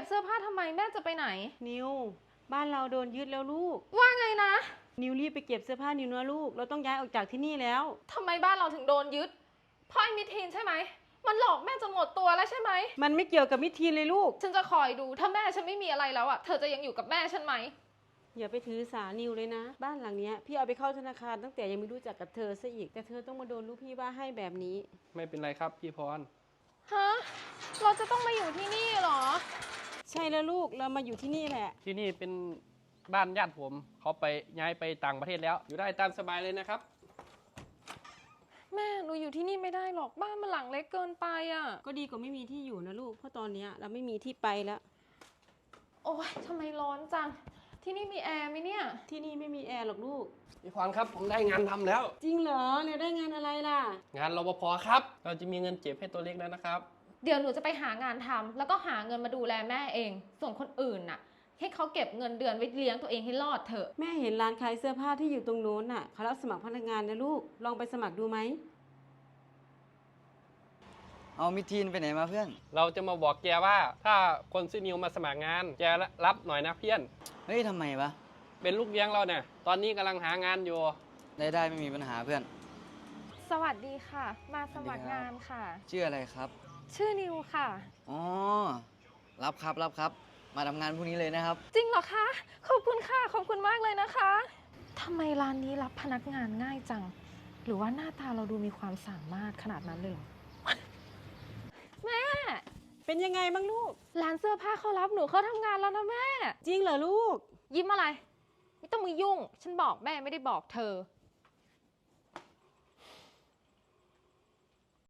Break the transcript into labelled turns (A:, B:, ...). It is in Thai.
A: บเสื้อผ้าทำไมแม่จะไปไหน
B: นิวบ้านเราโดนยึดแล้วลูก
A: ว่าไงนะ
B: นิวรีบไปเก็บเสื้อผ้านิวนะลูกเราต้องย้ายออกจากที่นี่แล้ว
A: ทำไมบ้านเราถึงโดนยึดเพราะไอ้มิทีนใช่ไหมมันหลอกแม่จนหมดตัวแล้วใช่ไหม
B: มันไม่เกี่ยวกับมิทีนเลยลูก
A: ฉันจะคอยดูถ้าแม่ฉันไม่มีอะไรแล้วอ่ะเธอจะยังอยู่กับแม่ฉันไหม
B: อย่าไปถือสานิวเลยนะบ้านหลังนี้พี่เอาไปเข้าธนาคารตั้งแต่ยังไม่รู้จักกับเธอซะอีกแต่เธอต้องมาโดนลูกพี่ว่าให้แบบนี้
C: ไม่เป็นไรครับพี่พร
A: ฮะเราจะต้องมาอยู่ที่นี่เหรอ
B: ใช่แล้วลูกเรามาอยู่ที่นี่แหละ
C: ที่นี่เป็นบ้านญาติผมเขาไปย้ายไปต่างประเทศแล้วอยู่ได้ตามสบายเลยนะครับ
A: แม่หนูอยู่ที่นี่ไม่ได้หรอกบ้านมันหลังเล็กเกินไปอ่ะ
B: ก็ดีกว่าไม่มีที่อยู่นะลูกเพราะตอนนี้เราไม่มีที่ไปแล้ว
A: โอ๊ยทำไมร้อนจังที่นี่มีแอร์ไหมเนี่ย
B: ที่นี่ไม่มีแอร์หรอกลูก
C: พี่พรครับผมได้งานทำแล้ว
B: จริงเหรอเนี่ยได้งานอะไรล่ะ
C: งานรปภครับเราจะมีเงินเก็บให้ตัวเล็กแล้วนะครับ
A: เดี๋ยวหนูจะไปหางานทำแล้วก็หาเงินมาดูแลแม่เองส่วนคนอื่นน่ะให้เขาเก็บเงินเดือนไว้เลี้ยงตัวเองให้รอดเถอะ
B: แม่เห็นร้านขายเสื้อผ้าที่อยู่ตรงโน้นน่ะเขารับสมัครพนักงานนะลูกลองไปสมัครดูไหม
D: เอามิทีนไปไหนมาเพื่อน
C: เราจะมาบอกแกว่าถ้าคนชื่อนิวมาสมัครงานแกรับหน่อยนะเพื่อน
D: เฮ้ยทำไมวะ
C: เป็นลูกเลี้ยงเราเนี่ยตอนนี้กำลังหางานอยู่
D: ได้ไม่มีปัญหาเพื่อน
A: สวัสดีค่ะมาสมัครงานค่ะ
D: ชื่ออะไรครับ
A: ชื่อนิวค่ะ
D: อ๋อรับครับมาทำงานพรุ่งนี้เลยนะครับ
A: จริงเหรอคะขอบคุณค่ะขอบคุณมากเลยนะคะทำไมร้านนี้รับพนักงานง่ายจังหรือว่าหน้าตาเราดูมีความสามารถขนาดนั้นเลยเหรอแม่
B: เป็นยังไงบ้างลูก
A: ร้านเสื้อผ้าเขารับหนูเข้าทำงานแล้วนะแม่
B: จริงเหรอลูก
A: ยิ้มอะไรไม่ต้องมายุ่งฉันบอกแม่ไม่ได้บอกเธอ